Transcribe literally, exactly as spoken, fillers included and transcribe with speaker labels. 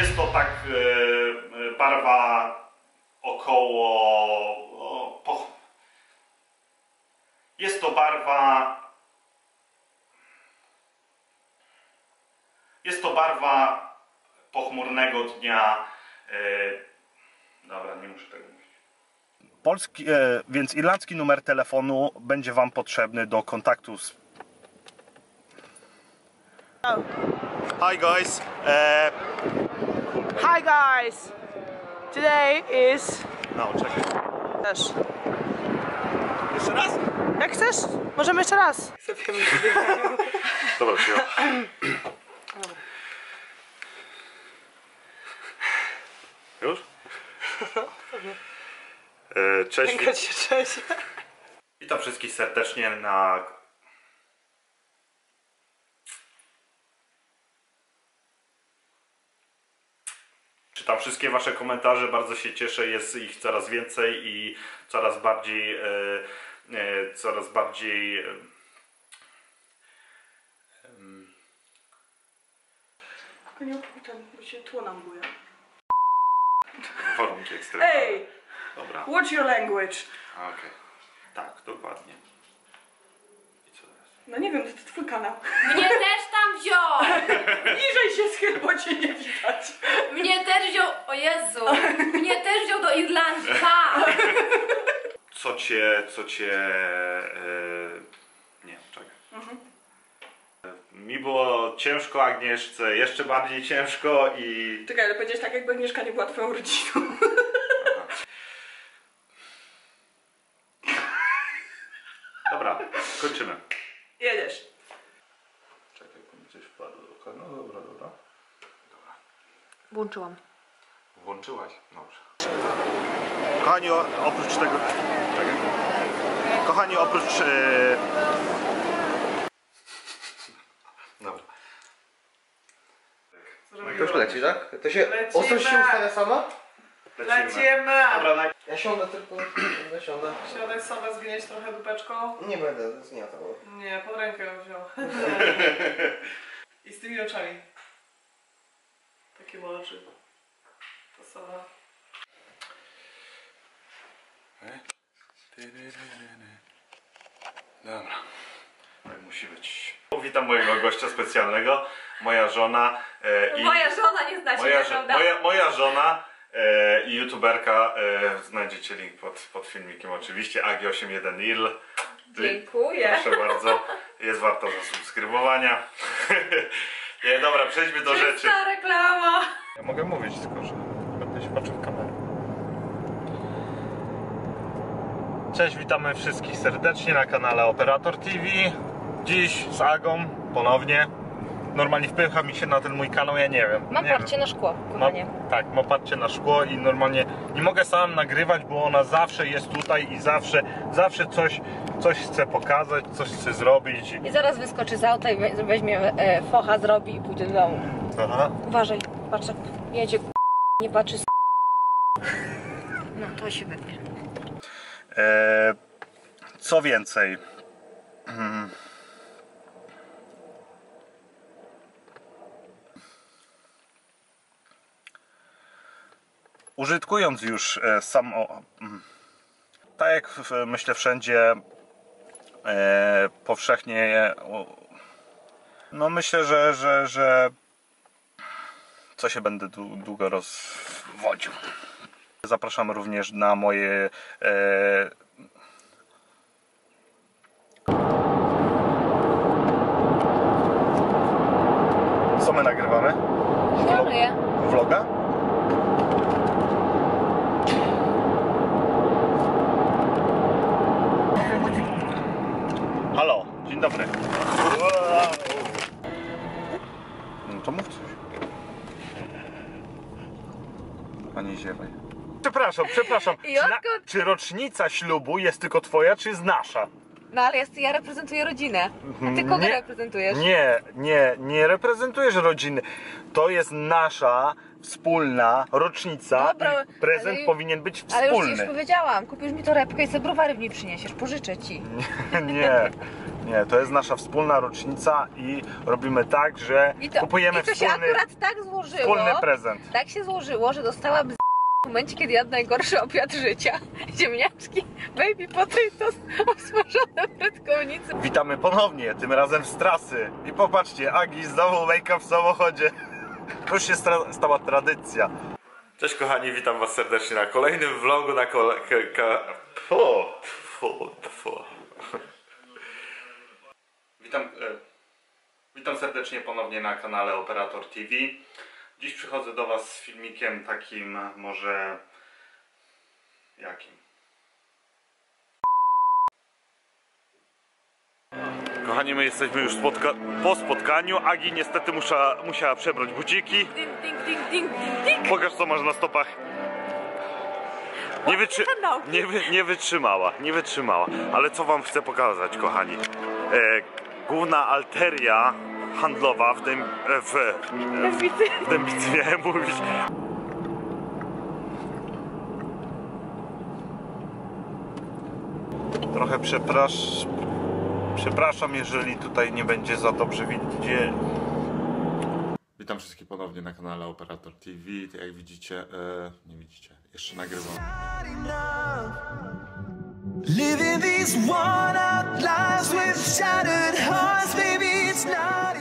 Speaker 1: Jest to tak e, barwa około... O, po, jest to barwa... Jest to barwa pochmurnego dnia. E, dobra, nie muszę tego mówić. Polski, e, więc irlandzki numer telefonu będzie Wam potrzebny do kontaktu z...
Speaker 2: Oh.
Speaker 1: Hi guys. Uh...
Speaker 2: Hi guys. Today is...
Speaker 1: No, czekaj.
Speaker 2: Też.
Speaker 1: Jeszcze raz?
Speaker 2: Jak chcesz? Możemy jeszcze raz.
Speaker 1: Dobra, przyjął. Już? E, cześć.
Speaker 2: Cześć. Cześć.
Speaker 1: Witam wszystkich serdecznie na... Czytam wszystkie Wasze komentarze, bardzo się cieszę, jest ich coraz więcej i coraz bardziej, e, e, coraz bardziej... E,
Speaker 2: Tylko nie opowiadam, bo się tło nam buja.
Speaker 1: warunki ekstremalne.
Speaker 2: Ej!
Speaker 1: Dobra.
Speaker 2: What's your language?
Speaker 1: Okej. Okay. Tak, dokładnie. I co teraz?
Speaker 2: No nie wiem, to, to twój kanał.
Speaker 3: Mnie też tam wziął!
Speaker 2: Niżej się schyl, bo cię nie widać.
Speaker 3: Mnie też wziął... O Jezu! Mnie też wziął do Irlandii, pa!
Speaker 1: Co cię, co cię... Yy... Nie, czekaj. Mhm. Mi było ciężko, Agnieszce jeszcze bardziej ciężko i...
Speaker 2: Czekaj, ale powiedziałeś tak, jakby Agnieszka nie była twoją rodziną.
Speaker 1: Dobra, kończymy.
Speaker 2: Jedziesz.
Speaker 1: Czekaj, bo mi coś wpadło do oka. No dobra, dobra. Dobra.
Speaker 3: Włączyłam.
Speaker 1: Włączyłaś? Dobrze. Kochani, oprócz tego... Czekaj. Kochani, oprócz... Yy... Dobra.
Speaker 4: To już leci, tak? To się...
Speaker 2: Lecimy.
Speaker 4: Ostrość się ustawia sama?
Speaker 2: Lecimy!
Speaker 1: Dobra, naj...
Speaker 4: Ja siądę tylko... Ja siądę.
Speaker 2: Siadaj sobie, zwiniesz trochę dupeczką.
Speaker 4: Nie będę, to jest nie to.
Speaker 2: Nie, pod rękę ją wziął. I z tymi oczami. Takie ma oczy. To sama.
Speaker 1: Dobra. Tak musi być. Witam mojego gościa specjalnego. Moja żona. E, i...
Speaker 3: Moja żona nie zna się,
Speaker 1: moja,
Speaker 3: tak,
Speaker 1: żo
Speaker 3: prawda?
Speaker 1: moja, moja żona e, i youtuberka. E, znajdziecie link pod, pod filmikiem oczywiście. Agi osiem jeden Irl.
Speaker 3: Dziękuję.
Speaker 1: Proszę bardzo. Jest warto zasubskrybowania. Nie, dobra, przejdźmy do rzeczy.
Speaker 3: Ta reklama.
Speaker 1: Ja mogę mówić, tylko że będę się patrzył w kamerę. Cześć, witamy wszystkich serdecznie na kanale Operator T V. Dziś z Agą ponownie. Normalnie wpycha mi się na ten mój kanał, ja nie wiem.
Speaker 3: Mam
Speaker 1: nie
Speaker 3: parcie na szkło,
Speaker 1: wiem.
Speaker 3: kochanie.
Speaker 1: Ma, tak, ma parcie na szkło i normalnie nie mogę sam nagrywać, bo ona zawsze jest tutaj i zawsze, zawsze coś, coś chce pokazać, coś chce zrobić.
Speaker 3: I zaraz wyskoczy z auta i we- weźmie e, focha, zrobi i pójdzie do domu.
Speaker 1: Aha.
Speaker 3: Uważaj, patrz jak jedzie, nie patrzy z... No to się wytnie.
Speaker 1: E, co więcej, hmm. użytkując już e, sam, o, tak jak w, myślę wszędzie e, powszechnie, o, no myślę, że, że, że co się będę długo rozwodził. Zapraszam również na moje e... co my nagrywamy?
Speaker 3: Filmuję.
Speaker 1: Vloga? Halo, dzień dobry. No to mów coś. A nie ziewaj. Przepraszam, przepraszam.
Speaker 3: I
Speaker 1: Czy, na,
Speaker 3: odkąd-
Speaker 1: czy rocznica ślubu jest tylko twoja, czy jest nasza?
Speaker 3: No ale jest, ja reprezentuję rodzinę. A ty kogo
Speaker 1: Nie.
Speaker 3: reprezentujesz?
Speaker 1: Nie, nie, nie reprezentujesz rodziny. To jest nasza wspólna rocznica.
Speaker 3: Dobra,
Speaker 1: i prezent
Speaker 3: ale-
Speaker 1: powinien być
Speaker 3: Ale już ci
Speaker 1: wspólny.
Speaker 3: już powiedziałam, kupisz mi torebkę i sobie browary w niej przyniesiesz, pożyczę ci.
Speaker 1: Nie, Nie, to jest nasza wspólna rocznica i robimy tak, że
Speaker 3: I to,
Speaker 1: kupujemy
Speaker 3: i to się
Speaker 1: wspólny,
Speaker 3: akurat tak złożyło.
Speaker 1: wspólny prezent.
Speaker 3: Tak się złożyło, że dostałam z... w momencie, kiedy jadł najgorszy obiad życia. Ziemniaczki, baby potatoes, osmażone brytkownicy.
Speaker 1: Witamy ponownie, tym razem z trasy. I popatrzcie, Agi znowu make-up w samochodzie. To już się stra- stała tradycja. Cześć kochani, witam was serdecznie na kolejnym vlogu na kole... Ka... Fu, fu, fu. Witam, e, witam serdecznie ponownie na kanale Operator T V. Dziś przychodzę do was z filmikiem takim może... jakim? Kochani, my jesteśmy już spotka po spotkaniu. Agi niestety musza, musiała przebrać buciki.
Speaker 3: Ding, ding, ding, ding, ding, ding.
Speaker 1: Pokaż, co masz na stopach. Nie, wytrzy nie, wy nie wytrzymała, nie wytrzymała. Ale co wam chcę pokazać, kochani? E, główna alteria handlowa w tym... E, w, e, w, w Dębicy miałem mówić. Trochę przepraszam. Przepraszam, jeżeli tutaj nie będzie za dobrze widzieć. Witam wszystkich ponownie na kanale Operator T V. Jak widzicie, e, nie widzicie, jeszcze nagrywam.
Speaker 5: Living these worn out lives with shattered hearts, baby, it's not